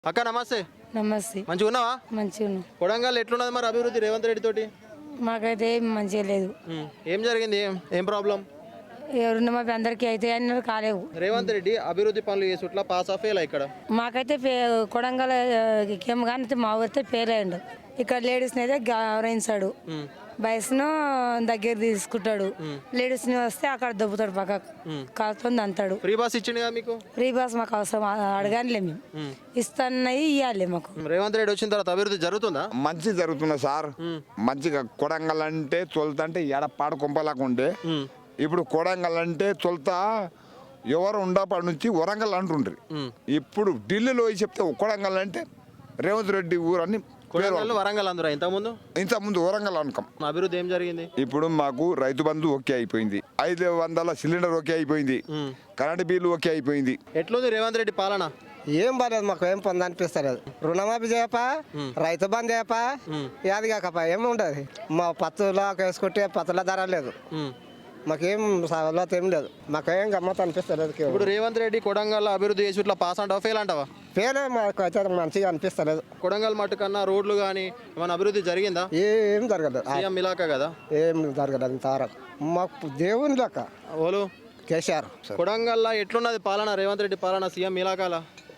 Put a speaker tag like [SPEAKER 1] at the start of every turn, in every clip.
[SPEAKER 1] అక్క నమస్తే.
[SPEAKER 2] నమస్తే.
[SPEAKER 1] మంచిగా ఉన్నావా?
[SPEAKER 2] మంచిగా ఉన్నా.
[SPEAKER 1] కొడంగల్ ఎట్లున్నది మరి అభివృద్ధి రేవంత్ రెడ్డి తోటి?
[SPEAKER 2] మాకైతే ఏం మంచిగా లేదు.
[SPEAKER 1] ఏం జరిగింది? ఏం ప్రాబ్లం?
[SPEAKER 2] ఎవరున్న మా అందరికీ అయితే అన్నారు కాలేవు.
[SPEAKER 1] రేవంత్ రెడ్డి అభివృద్ధి పనులు చేసుట్లా పాస్ ఆఫ్ ఫెయిల్ ఇక్కడ.
[SPEAKER 2] మాకైతే కొడంగల్ కేమ్ కానీ మా ఊరితే ఫెయిల్ అయ్యిండు. ఇక్కడ లేడీస్ని అయితే గౌరవించాడు, వయసును దగ్గర తీసుకుంటాడు. లేడీస్ని వస్తే అక్కడ దొబ్బుతాడు, పక్క కాలుతుంది అంటాడు.
[SPEAKER 1] ఫ్రీ బాస్ ఇచ్చిండు మీకు?
[SPEAKER 2] ఫ్రీ బాస్ మాకు అవసరం అడగానిలే, మేము ఇస్తాన్నవి ఇవ్వాలి మాకు.
[SPEAKER 1] రేవంత్ రెడ్డి వచ్చిన తర్వాత అభివృద్ధి జరుగుతుందా?
[SPEAKER 3] మంచి జరుగుతున్నా సార్. మంచిగా కొడంగల్ అంటే తొలుతంటే ఎడ పాడు కొంపలాకుంటే ఇప్పుడు కొడంగల్ అంటే తొలుత ఎవరు ఉండపడి నుంచి వరంగల్ అంటుండ్రి. ఇప్పుడు ఢిల్లీలో చెప్తే కొడంగల్ అంటే రేవంత్ రెడ్డి ఊరు అని
[SPEAKER 1] వరంగల్ అందరూ
[SPEAKER 3] ఇంతకుముందు వరంగల్ అనుకం.
[SPEAKER 1] అభివృద్ధి ఏం జరిగింది?
[SPEAKER 3] ఇప్పుడు మాకు రైతు బంధు ఓకే అయిపోయింది, 500 సిలిండర్ ఓకే అయిపోయింది, కరెంట్ బిల్లు ఓకే అయిపోయింది.
[SPEAKER 1] ఎట్లుంది రేవంత్ రెడ్డి పాలన?
[SPEAKER 4] ఏం బాలేదు, మాకు ఏం పొంద అనిపిస్తలేదు. రుణమాఫీ చేయపా, రైతు బంధు చేయపా, యాది కాకపా ఏమి ఉండదు. మా పత్తులో వేసుకుంటే పత్తుల ధర లేదు, మాకేం సవలత ఏం లేదు, మాకేం గమ్మత్ అనిపిస్తలేదు.
[SPEAKER 1] ఇప్పుడు రేవంత్ రెడ్డి కొడంగల్ అభివృద్ధి చేసి ఇట్లా పాస్ అంటావా ఫెయిల్ అంటావా?
[SPEAKER 4] పేరే మాకు అయితే మంచిగా అనిపిస్తలేదు.
[SPEAKER 1] కొడంగల్ మట్టు కన్నా రోడ్లు కానీ ఏమైనా అభివృద్ధి జరిగిందా?
[SPEAKER 4] ఏం జరగలేదు.
[SPEAKER 1] సీఎం ఇలాకా కదా,
[SPEAKER 4] ఏం జరగలేదు ఇంతవరకు. మాకు దేవుని లెక్క
[SPEAKER 1] ఓలు
[SPEAKER 4] కేసీఆర్.
[SPEAKER 1] కొడంగల్లో ఎట్లున్నది పాలన రేవంత్ రెడ్డి పాలన సీఎం ఇలాకాల?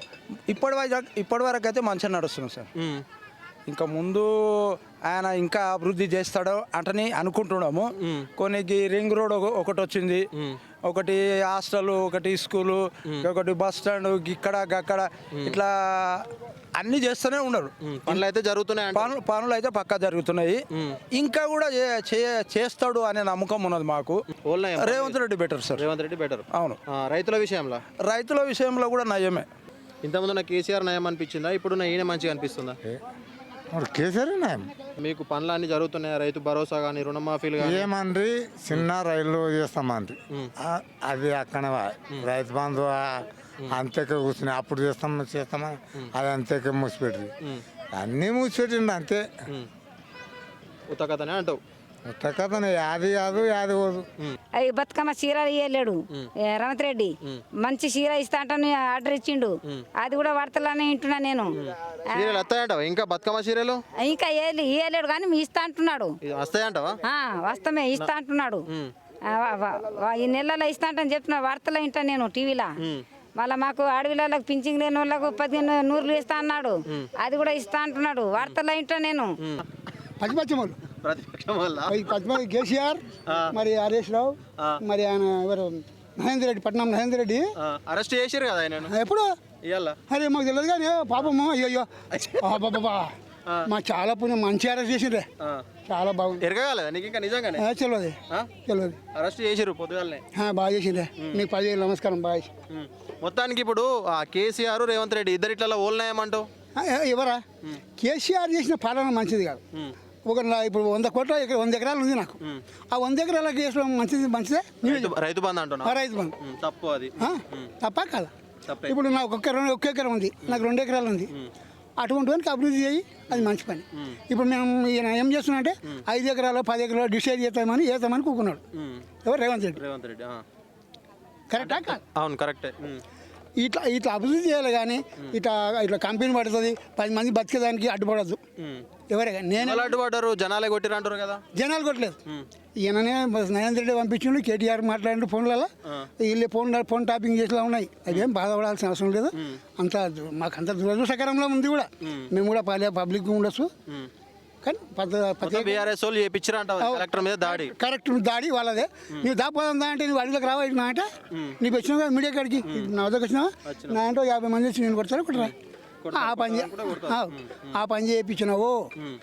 [SPEAKER 5] ఇప్పటి వరకు అయితే మంచిగా నడుస్తుంది సార్. ఇంకా ముందు ఆయన ఇంకా అభివృద్ధి చేస్తాడో అంటని అనుకుంటున్నాము. కొన్నికి రింగ్ రోడ్ ఒకటి వచ్చింది, ఒకటి హాస్టల్, ఒకటి స్కూలు, ఒకటి బస్ స్టాండ్, ఇక్కడ అక్కడ ఇట్లా అన్ని చేస్తూనే ఉన్నారు.
[SPEAKER 1] పనులు అయితే జరుగుతున్నాయి,
[SPEAKER 5] పనులు అయితే పక్కా జరుగుతున్నాయి. ఇంకా కూడా చేస్తాడు అనే నమ్మకం ఉన్నది మాకు. Revanth Reddy better sir.
[SPEAKER 1] Revanth Reddy better.
[SPEAKER 5] అవును.
[SPEAKER 1] రైతుల
[SPEAKER 5] విషయంలో కూడా నయమే.
[SPEAKER 1] ఇంతకుముందు నాకు కేసీఆర్ నయం అనిపించిందా, ఇప్పుడు నా ఈయన మంచిగా అనిపిస్తుందా?
[SPEAKER 6] కేసీఆర్ నయం.
[SPEAKER 1] మీకు పనులు అన్ని జరుగుతున్నాయి, రైతు భరోసా కానీ రుణమాఫీలు కానీ?
[SPEAKER 6] ఏమండ్రి చిన్న రైలు చేస్తామండ్రి, అది అక్కడ రైతు బంధు అంతేక కూర్చుని అప్పుడు చేస్తామా అది అంతేక మూసిపెట్టి అన్నీ మూసిపెట్టిండి అంతే.
[SPEAKER 1] ఉత్తకథనే అంటావు?
[SPEAKER 6] ఉత్తకథనే, యాది కాదు యాది పోదు.
[SPEAKER 2] అవి బతుకమ్మ చీర ఇయ్యలేడు రేవంత్ రెడ్డి. మంచి చీర ఇస్తా అంటాను ఆర్డర్ ఇచ్చిండు, అది కూడా వార్తలని వింటున్నా నేను.
[SPEAKER 1] సీరియల్ వస్తాయంటావా? ఇంకా బతుకమ్మ సీరియల్
[SPEAKER 2] ఇంకా ఇయ్యలేడు కానీ మీ ఇస్తా అంటున్నాడు.
[SPEAKER 1] వస్తాయంటావా?
[SPEAKER 2] వస్తామే ఇస్తా అంటున్నాడు. ఈ నెలలో ఇస్తా అంటని చెప్తున్నాడు, వార్తలో వింటా నేను టీవీలో. మళ్ళీ మాకు అడవిలకు పింఛన్ లేని వాళ్ళకు 1500 ఇస్తా అన్నాడు, అది కూడా ఇస్తా అంటున్నాడు, వార్తలో వింటా నేను.
[SPEAKER 7] కేసీఆర్, మరి హరీష్ రావు, మరి ఆయన ఎవరు మహేందర్ రెడ్డి, పట్నం మహేందర్ రెడ్డి
[SPEAKER 1] అరెస్ట్ చేశారు కదా ఆయన
[SPEAKER 7] ఎప్పుడు? అరే మాకు తెలియదు కానీ పాపము. అయ్యో బాబా, మా చాలా పుణ్యం, మంచి అరెస్ట్ చేసిండ్రే, చాలా బాగుంది.
[SPEAKER 1] ఎరగలేదా నీకు ఇంకా నిజంగానే?
[SPEAKER 7] తెలియదు.
[SPEAKER 1] అరెస్ట్ చేసారు పొద్దుగాలనే,
[SPEAKER 7] బాగా చేసిండ్రే. మీకు 10,000 నమస్కారం. బాగా.
[SPEAKER 1] మొత్తానికి ఇప్పుడు కేసీఆర్ రేవంత్ రెడ్డి ఇద్దరు ఇట్లా ఓల్నాయమంటావు?
[SPEAKER 7] ఎవరా? కేసీఆర్ చేసిన పాలన మంచిది కాదు. ఇప్పుడు 100 కోట్ల 100 ఎకరాలు ఉంది నాకు. ఆ 100 ఎకరాల కేసులో మంచిదే.
[SPEAKER 1] రైతు బంధు అంటున్నా?
[SPEAKER 7] రైతు బంధు
[SPEAKER 1] తప్పు. అది
[SPEAKER 7] తప్ప కదా. ఇప్పుడు నాకు ఒక్క ఎకరం ఉంది, నాకు 2 ఎకరాలు ఉంది. అటువంటి వానికి అభివృద్ధి చేయి, అది మంచి పని. ఇప్పుడు మేము ఈయన ఏం చేస్తున్నా అంటే 5 ఎకరాలు 10 ఎకరాలు డిసైడ్ చేస్తామని కూకున్నాడు. ఎవరు? రేవంత్ రెడ్డి. కరెక్టా కాదు?
[SPEAKER 1] అవును, కరెక్టే.
[SPEAKER 7] ఇట్లా అభివృద్ధి చేయాలి కానీ ఇట్లా కంపెనీ పడుతుంది, 10 మంది బతికేదానికి అడ్డుపడద్దు. ఎవరే కానీ నేను
[SPEAKER 1] అడ్డుపడ్డారు, జనాలే కొట్టిరు అంటారు కదా.
[SPEAKER 7] జనాలు కొట్టలేదు, ఈయననే నరేంద్ర రెడ్డి పంపించిండు, కేటీఆర్ మాట్లాడిన ఫోన్లలో వీళ్ళే ఫోన్ టాపింగ్ చేసేలా ఉన్నాయి. అదేం బాధపడాల్సిన అవసరం లేదు. అంత మాకు అంత దురదృష్టకరంలో ఉంది కూడా. మేము కూడా పబ్లిక్ ఉండొచ్చు కానీ కరెక్ట్ దాడి వాళ్ళదే. నువ్వు దాపోదా అంటే నువ్వు అడిగిలోకి రావా అంటే నీకు వచ్చినావు కదా మీడియా కాడికి, నా వద్దకు వచ్చినావా నా అంటే 50 మంది వచ్చి నేను కొడతారా కొట్టరా? ఆ పని చేయించినావు.